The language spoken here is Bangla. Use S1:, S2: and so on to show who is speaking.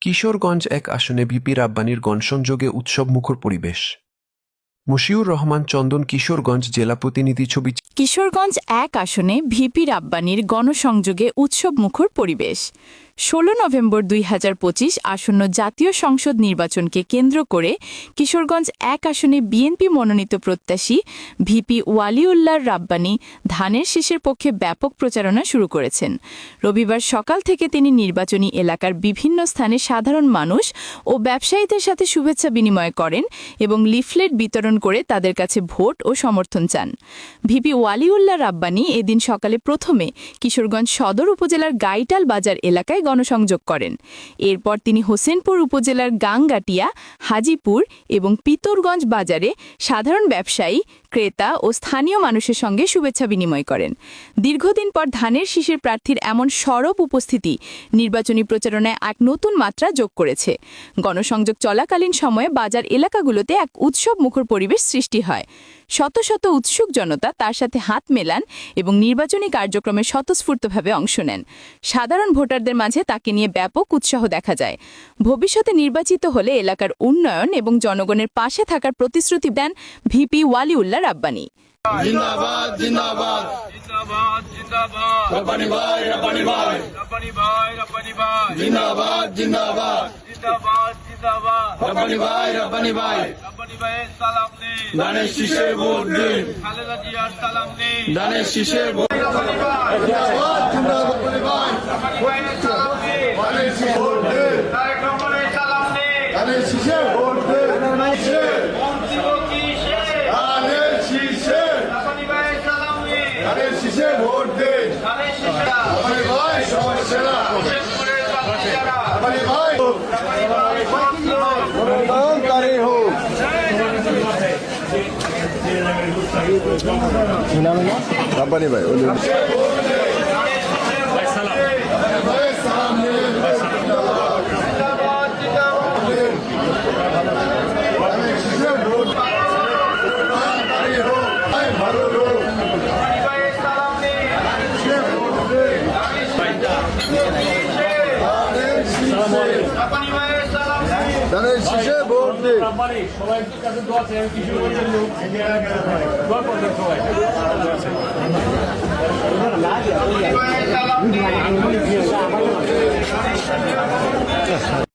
S1: কিশোরগঞ্জ এক আসনে ভিপি রাব্বানীর গণসংযোগে উৎসবমুখর পরিবেশ। মশিউর রহমান চন্দন, কিশোরগঞ্জ জেলা প্রতিনিধি। ছবি।
S2: কিশোরগঞ্জ এক আসনে ভিপি রাব্বানীর গণসংযোগে উৎসবমুখর পরিবেশ। ১৬ নভেম্বর ২০২৫ আসন্ন জাতীয় সংসদ নির্বাচনকে কেন্দ্র করে কিশোরগঞ্জ এক আসনে বিএনপি মনোনীত প্রত্যাশী ভিপি ওয়ালিউল্লাহ রাব্বানী ধানের শীষের পক্ষে ব্যাপক প্রচারণা শুরু করেছেন। রবিবার সকাল থেকে তিনি নির্বাচনী এলাকার বিভিন্ন স্থানে সাধারণ মানুষ ও ব্যবসায়ীদের সাথে শুভেচ্ছা বিনিময় করেন এবং লিফলেট বিতরণ করে তাদের কাছে ভোট ও সমর্থন চান। ভিপি ওয়ালিউল্লাহ রাব্বানী এদিন সকালে প্রথমে কিশোরগঞ্জ সদর উপজেলার গাইটাল বাজার এলাকায় গণসংযোগ করেন। এরপর তিনি হোসেনপুর উপজেলার গাংগাটিয়া, হাজিপুর এবং পিতরগঞ্জ বাজারে সাধারণ ব্যবসায়ী, ক্রেতা ও স্থানীয় মানুষের সঙ্গে শুভেচ্ছা বিনিময় করেন। দীর্ঘদিন পর ধানের শীষের প্রার্থীর এমন সরব উপস্থিতি নির্বাচনী প্রচারণায় এক নতুন মাত্রা যোগ করেছে। গণসংযোগ চলাকালীন সময়ে বাজার এলাকাগুলোতে এক উৎসবমুখর পরিবেশ সৃষ্টি হয়। শত শত উৎসুক জনতা তার সাথে হাত মেলান এবং নির্বাচনী কার্যক্রমে স্বতঃস্ফূর্তভাবে অংশ নেন। সাধারণ ভোটারদের মাঝে তাকে নিয়ে ব্যাপক উৎসাহ দেখা যায়। ভবিষ্যতে নির্বাচিত হলে এলাকার উন্নয়ন এবং জনগণের পাশে থাকার প্রতিশ্রুতি দেন ভিপি ওয়ালিউল্লাহ রাব্বানী।
S3: জিন্দাবাদ জিন্দাবাদ জিন্দাবাদ জিন্দাবাদ রাব্বানী ভাই রাব্বানী ভাই রাব্বানী ভাই রাব্বানী ভাই জিন্দাবাদ জিন্দাবাদ জিন্দাবাদ জিন্দাবাদ রাব্বানী ভাই রাব্বানী ভাই রাব্বানী ভাইয়ের সালাম নেই, ধানের শীষে ভোট দিন। খালেদা জিয়ার সালাম নেই, ধানের শীষে ভোট। রাব্বানী ভাই জিন্দাবাদ জিন্দাবাদ রাব্বানী ভাই রাব্বানী ভাইয়ের সালাম নেই, ধানের শীষে ভোট দিন। তারেক রহমানের সালাম নেই, ধানের শীষে ভোট দিন। ধানের শীষে ভোট দিন। রাব্বানী ভাই সমস্যা না, রাব্বানী ভাই গণতন্ত্রী হোক। রাব্বানী ভাই ধানের শীষে ভোট দিন।
S4: সবাই কাছে দোয়া চাই, কিশোরগঞ্জের লোক দোয়া করবেন সবাই।